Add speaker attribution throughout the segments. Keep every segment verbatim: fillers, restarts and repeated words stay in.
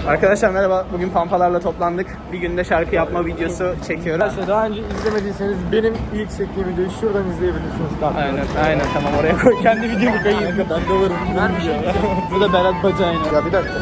Speaker 1: Arkadaşlar merhaba. Bugün pampalarla toplandık. Bir günde şarkı yapma videosu çekiyoruz.
Speaker 2: Arkadaşlar daha önce izlemediyseniz benim ilk çektiğim videoyu şuradan izleyebilirsiniz.
Speaker 1: Aynen aynen tamam oraya koy. Kendi videomu koyayım.
Speaker 2: Ben de varım.
Speaker 1: Ver bir şey. Bu da Berat Bacay'ın.
Speaker 2: Ya bir dakika.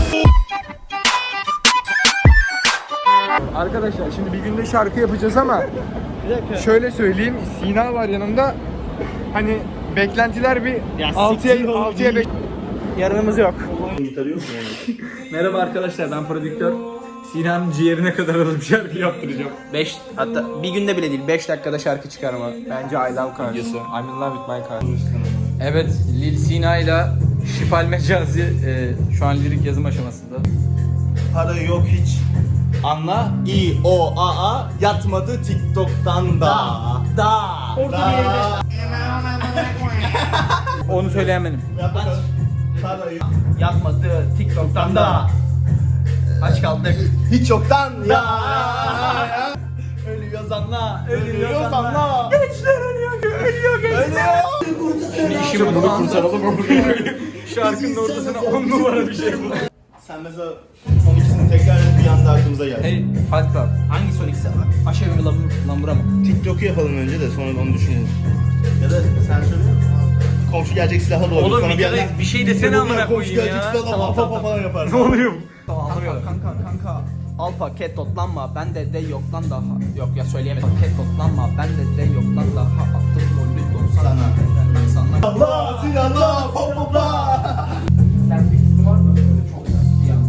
Speaker 2: Arkadaşlar şimdi bir günde şarkı yapacağız ama
Speaker 1: Bir dakika.
Speaker 2: şöyle söyleyeyim, Sina var yanımda. Hani beklentiler bir altıya altıya beş.
Speaker 1: Yarınımız yok.
Speaker 3: Gitarı yok mu yani?
Speaker 1: Merhaba arkadaşlar, ben prodüktör. Sinan'ın ciğerine kadar alıp şarkı yaptıracağım. beş hatta bir günde bile değil beş dakikada şarkı çıkarma. Bence I Love Cars videosu.
Speaker 2: I'm in love with my car.
Speaker 4: Evet, Lil Sina ile Şipal Mecazi e, şu an lirik yazım aşamasında.
Speaker 3: Para yok hiç. Anla. İ O A A yatmadı TikTok'tan da. Da. Orada da. Bir yerde.
Speaker 4: Onu söyleyen benim.
Speaker 3: Yap bakalım. Para yok.
Speaker 1: Yapmadı TikTok'tan da. Aç kaldık.
Speaker 3: Hiç yoktan ya. Ölüyor zanla. Ölüyor zanla. Gençler ölüyor. Ölüyor gençler. Ölüyor.
Speaker 4: Şimdi bunu kurtaralım. Şarkının ortasına on numara bir şey bu.
Speaker 3: Sen mesela son ikisini tekrar bir anda aklımıza geldi.
Speaker 4: Hey, Fight Club.
Speaker 1: Hangi son ikisi? Aşağı mi lambura mı?
Speaker 3: TikTok'u yapalım önce de sonra onu düşünelim. Ya da sen söyle. Komşu gelecek silahla doğru.
Speaker 4: Oğlum
Speaker 3: Sonra
Speaker 4: bir kere
Speaker 3: yandan-
Speaker 4: bir şey desene amına
Speaker 3: Komşu
Speaker 4: koyayım
Speaker 3: gelecek
Speaker 4: ya.
Speaker 3: silahla
Speaker 4: Tamam,
Speaker 3: pa pa
Speaker 4: tamam,
Speaker 3: falan yapar.
Speaker 4: Ne oluyor?
Speaker 1: Kanka kanka kanka. Al paket toplanma bende de yoktan daha. Yok ya söyleyemedim. Paket toplanma bende de yoktan daha. Attım golü doksan.
Speaker 3: Sana.
Speaker 1: Ben sana.
Speaker 3: Allah silahla pop popla.
Speaker 1: Sen bir kısmı var mı? Böyle çok güzel. Ya.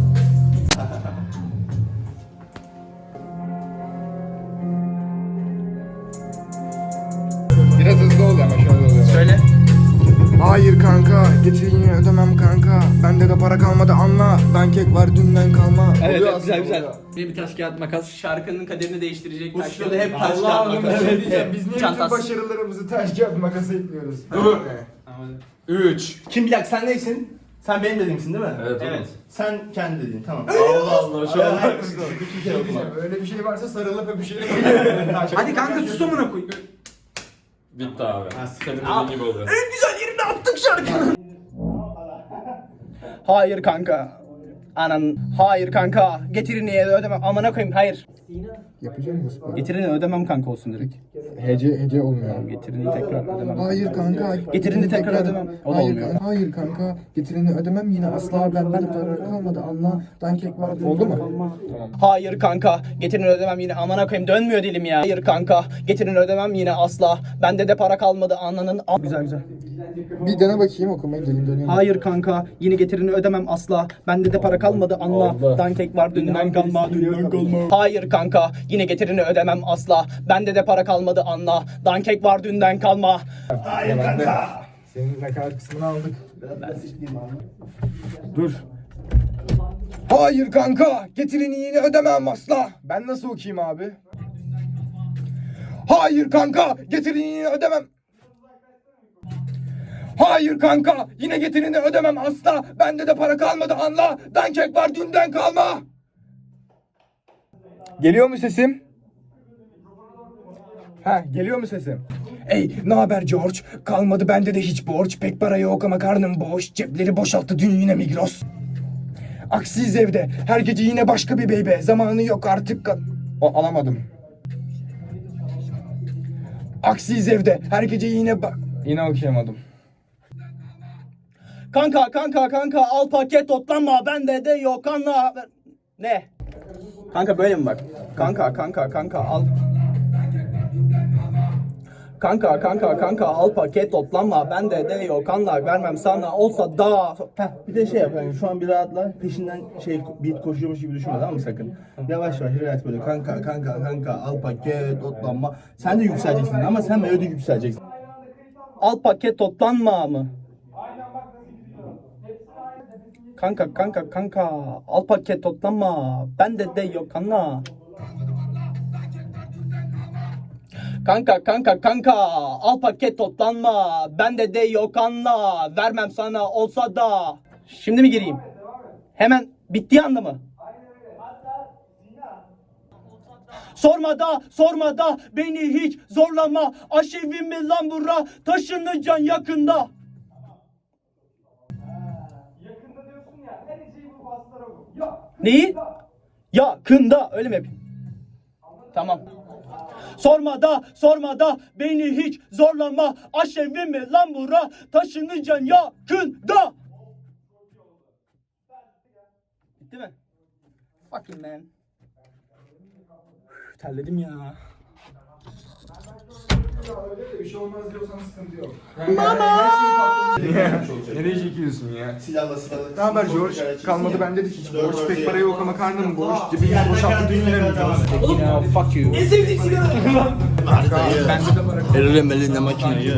Speaker 2: Biraz hızlı ol ama şöyle oluyor.
Speaker 1: Söyle.
Speaker 2: Hayır kanka, getirin ödemem kanka. Bende de para kalmadı anla. Ben kek var dünden kalma.
Speaker 1: Evet,
Speaker 2: Oluyor
Speaker 1: evet güzel
Speaker 2: aslında,
Speaker 1: güzel.
Speaker 2: oluyor.
Speaker 1: Bir, bir taş kağıt makas. Şarkının kaderini değiştirecek taş
Speaker 3: stüdyoda
Speaker 1: kağıt
Speaker 3: hep
Speaker 1: makas.
Speaker 3: taş kağıt
Speaker 2: Allah'ım
Speaker 3: makas.
Speaker 2: bir şey diyeceğim. Biz niye bütün
Speaker 1: Çantası.
Speaker 2: başarılarımızı taş kağıt makasa ekliyoruz?
Speaker 3: üç. Kim bir dakika sen neysin? Sen benim dediğimsin değil mi?
Speaker 4: Evet,
Speaker 3: Evet. Sen kendi dediğin tamam. Allah Allah şu an. Bir kere okuma.
Speaker 2: Öyle bir şey varsa sarılıp öpüşelim.
Speaker 1: Hadi kanka sus amına koy.
Speaker 4: Bitti abi. Senin
Speaker 1: Aa.
Speaker 4: dediğin gibi oluyor.
Speaker 1: Hayır kanka. Anan. Hayır kanka. Getirini ödemem. Amına koyayım. Hayır.
Speaker 2: Yapacak mısın?
Speaker 1: Getirini ödemem kanka olsun direkt.
Speaker 2: Hece hece olmuyor.
Speaker 1: Getirini tekrar ödemem.
Speaker 2: Hayır kanka.
Speaker 1: Getirini tekrar ödemem. O da
Speaker 2: Hayır,
Speaker 1: olmuyor.
Speaker 2: kanka, hayır kanka. Getirini ödemem yine asla benden para kalmadı anla. Dankek var. Oldu mu?
Speaker 1: Hayır kanka. Getirini ödemem yine. Amına koyayım. Dönmüyor dilim ya. Hayır kanka. Getirini ödemem yine asla. Bende de para kalmadı. Ananın. A- Güzel güzel.
Speaker 2: Bir dene bakayım okumayı dilim dönüyor.
Speaker 1: Hayır kanka. Yine getirini ödemem asla. Bende de para kalmadı. Anla. Dankek var. Dünden kalma. Dünden kalma. Hayır kanka. Yine getirini ödemem asla. Bende de para kalmadı. Anla. Dankek var. Dünden kalma.
Speaker 2: Hayır kanka. Senin nakarat kısmını aldık. Dur. Hayır kanka. Getirini yine ödemem asla. Ben nasıl okuyayım abi? Hayır kanka. Getirini yine ödemem. Hayır kanka. Yine getirini ödemem asla. Bende de para kalmadı anla. Dankek var dünden kalma. Geliyor mu sesim? Ha, geliyor mu sesim? Ey, ne haber George? Kalmadı bende de hiç borç. Pek para yok ama karnım boş. Cepleri boşalttı dün yine Migros. Aksiyiz evde. Her gece yine başka bir beybe. Zamanı yok artık. ka- O alamadım. Aksiyiz evde. Her gece yine ba- Yine okuyamadım.
Speaker 1: Kanka kanka kanka al paket toplanma. Bende de yok anla. Ne? Kanka böyle mi bak? Kanka kanka kanka al. Kanka kanka kanka al paket toplanma. Bende de yok anla. Vermem sana olsa da.
Speaker 3: Heh, bir de şey yap yani şu an bir rahatla peşinden şey beat koşuyormuş gibi düşünme tamam mı sakın? Yavaş yavaş relax böyle kanka kanka kanka al paket otlanma. Sen de yükseleceksin ama sen melodi yükseleceksin.
Speaker 1: Al paket toplanma mı? Kanka kanka kanka al paket toplanma. Bende de yok anla. Kanka kanka kanka al paket toplanma. Bende de yok anla. Vermem sana olsa da. Şimdi mi gireyim? Hemen bittiği anda mı? Sorma da sorma da beni hiç zorlama. Aşevim mi lan bura? Taşınacaksın yakında. Yakında diyorsun ya her şeyi bu baslara vur. Yok. Neyi? Yakında öyle mi yapayım? Tamam. Sorma da sorma da beni hiç zorlama. Aşevimi lan bura taşınacaksın yakında. Bitti mi? Fucking man. Üf, terledim ya.
Speaker 2: Bir şey olmaz diyorsan sıkıntı yok.
Speaker 3: Nereye çekiyorsun ya? Silahla silahla.
Speaker 2: Ne haber George? Kalmadı bende de hiç borç. Pek para yok ama karnım boş. Cebimiz boşalttı dün yine Migros.
Speaker 1: Ya fuck you. En sevdiğim sigara.
Speaker 2: Bende de para kalmadı.
Speaker 3: Elirim elinde makineyi.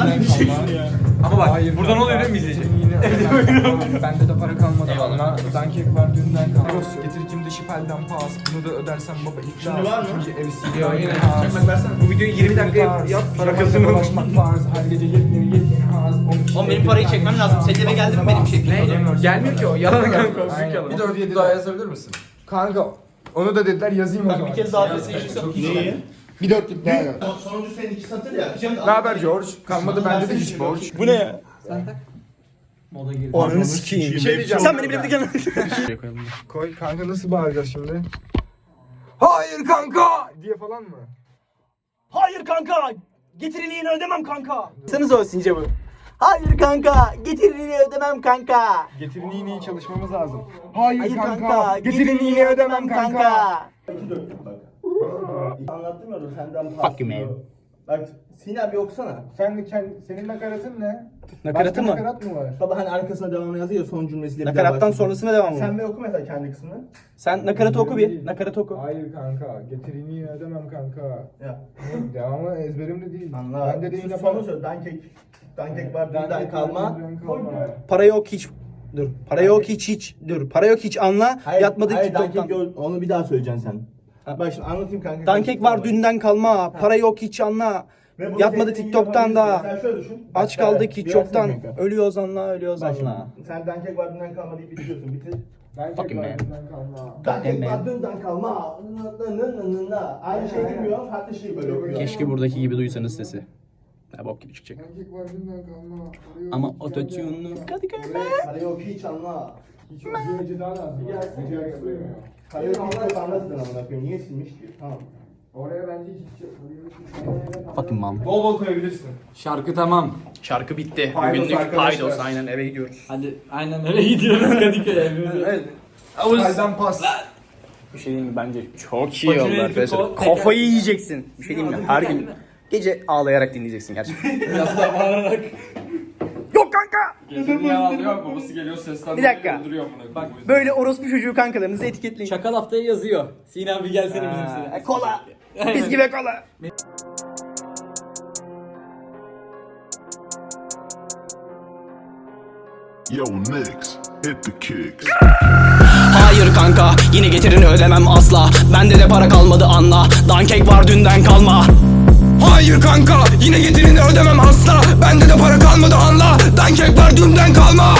Speaker 4: Ama bak buradan oluyor değil mi izleyecek?
Speaker 2: Bende de para kalmadı valla. Dankek var dünden kaldı. Migros getiricim de şipelden pas. Bunu da ödersem baba iflas.
Speaker 3: Şimdi var mı?
Speaker 2: Çünkü ev siliyor.
Speaker 4: Bu videoyu yirmi dakika yap.
Speaker 2: Para kazanı ulaşmak farz. Her gece yepyeni yepyeni haz.
Speaker 1: Oğlum benim parayı çekmem lazım. Senin eve geldi mi benim çektiğim?
Speaker 4: Ne? Gelmiyor ki o. Yalan kanka.
Speaker 2: Aynen.
Speaker 4: yalan.
Speaker 2: Bir
Speaker 4: Bir
Speaker 2: dört
Speaker 4: dört
Speaker 2: yedi
Speaker 4: daha
Speaker 2: daha
Speaker 4: yazabilir misin?
Speaker 2: Kanka onu da dediler yazayım o zaman.
Speaker 1: Bir kez daha adresi yaşasam.
Speaker 3: Neyi?
Speaker 2: Bir dörtlük daha yaz.
Speaker 3: Sonuncu senin iki satır ya.
Speaker 2: Ne haber George? Kalmadı bende de hiç borç.
Speaker 1: Bu ne ya?
Speaker 3: Ananı sikeyim.
Speaker 2: Bir şey diyeceğim.
Speaker 1: Sen beni bile bile
Speaker 2: Koy kanka nasıl bağıracağız şimdi? Hayır kanka diye falan mı?
Speaker 1: Hayır kanka. Getiriliğini ödemem kanka. Sanız o since bu. Hayır kanka. Getiriliğini ödemem kanka.
Speaker 2: Getirin iğneyi çalışmamız lazım. Hayır,
Speaker 1: Hayır
Speaker 2: kanka.
Speaker 1: kanka.
Speaker 2: Getirin iğneyi ödemem kanka.
Speaker 3: İki dörtlük bak. Anlattım ya da senden
Speaker 1: Fuck you, man.
Speaker 3: Bak Sina bir okusana.
Speaker 2: Sen de kendi, senin nakaratın ne?
Speaker 1: Nakaratı
Speaker 2: Başka
Speaker 1: mı?
Speaker 2: nakarat mı var?
Speaker 3: Baba hani arkasına devamını yazıyor son cümlesiyle bir daha
Speaker 1: Nakarattan
Speaker 3: başlıyor.
Speaker 1: sonrasına devam mı?
Speaker 3: Sen bir oku mesela kendi kısmını.
Speaker 1: Sen nakaratı oku bir. Nakaratı oku.
Speaker 2: Hayır kanka. Getirin iğneyi ödemem kanka.
Speaker 3: Ya.
Speaker 2: Devamı ezberimde değil.
Speaker 3: Anla.
Speaker 2: Bende de
Speaker 3: Şu
Speaker 2: iğne
Speaker 3: sonu
Speaker 2: falan.
Speaker 3: söyle. Dankek. Dankek var dünden
Speaker 2: Dankek
Speaker 3: kalma.
Speaker 2: var, dünden kalma.
Speaker 1: Para yok hiç. Dur. Para yok hiç hiç. Dur. Para yok hiç anla. Yatmadık
Speaker 3: hayır,
Speaker 1: TikTok'tan.
Speaker 3: Dankek gör- onu bir daha söyleyeceksin sen.
Speaker 1: Ha.
Speaker 3: Bak şimdi anlatayım kanka.
Speaker 1: Dankek var dünden kalma. Para yok hiç anla.
Speaker 3: Ve bunu
Speaker 1: Yatmadı
Speaker 3: tekniği
Speaker 1: TikTok'tan
Speaker 3: yapabilirsin.
Speaker 1: da.
Speaker 3: Sen şöyle düşün.
Speaker 1: Aç
Speaker 3: Bak,
Speaker 1: kaldık
Speaker 3: evet,
Speaker 1: hiç
Speaker 3: bir
Speaker 1: çoktan.
Speaker 3: versene kanka.
Speaker 1: Ölüyoruz anla, ölüyoruz
Speaker 3: Bak şimdi,
Speaker 1: anla.
Speaker 3: sen dankek var dünden kalma deyip bitiriyorsun. Bitir.
Speaker 2: Dankek
Speaker 1: Fucking
Speaker 2: var,
Speaker 1: man.
Speaker 2: dünden kalma.
Speaker 3: Dankek
Speaker 1: man.
Speaker 3: var dünden kalma. Nı nı nı nı nı. Aynı şey bilmiyor. Farklı şey böyle okuyor.
Speaker 1: Keşke buradaki gibi duysanız sesi. Ya bok gibi çıkacak.
Speaker 2: Dankek var, dünden kalma. Arıyor,
Speaker 1: Ama
Speaker 2: hiç
Speaker 1: ototune'lu
Speaker 2: gelmiyor.
Speaker 1: Kadıköy'de.
Speaker 3: Para yok hiç anla.
Speaker 2: Hiç yok. Bir gece daha lazım. Gece arası duymuyor.
Speaker 3: Para yok hiç yok anlasın amına koyayım. Niye silmiş ki? Tamam.
Speaker 2: Oraya bence hiç yok.
Speaker 1: Fucking mom.
Speaker 2: Bol bol koyabilirsin.
Speaker 4: Şarkı tamam.
Speaker 1: Şarkı bitti.
Speaker 2: Paydos
Speaker 1: Bugünlük
Speaker 2: arkadaşlar.
Speaker 1: paydos. Aynen eve gidiyoruz.
Speaker 4: Hadi aynen öyle gidiyoruz Kadıköy'e.
Speaker 1: Evet.
Speaker 2: Kalden pas.
Speaker 1: Bir şey diyeyim mi? Bence çok iyi
Speaker 4: Bacını
Speaker 1: oldu
Speaker 4: elini
Speaker 1: arkadaşlar.
Speaker 4: kol-
Speaker 1: Kafayı yiyeceksin. Bir şey diyeyim mi? Her gün gece ağlayarak dinleyeceksin gerçekten.
Speaker 4: Biraz daha bağırarak.
Speaker 1: Yok kanka!
Speaker 5: Gecenin yalanlıyor, babası geliyor seslendiriyor,
Speaker 1: Bir dakika.
Speaker 5: öldürüyor bunu. Bak
Speaker 1: Böyle orospu çocuğu kankalarınızı etiketleyin.
Speaker 4: Çakal haftaya yazıyor. Sinan bir gelsene bizim
Speaker 1: Ha,
Speaker 4: sene.
Speaker 1: kola. Biz gibi kola.
Speaker 6: Yo, Nix, hit the kicks.
Speaker 1: Hayır kanka yine getirini ödemem asla. Bende de para kalmadı anla. Dankek var dünden kalma. Hayır kanka yine getirini ödemem asla. Bende de para kalmadı anla. Dankek var dünden kalma.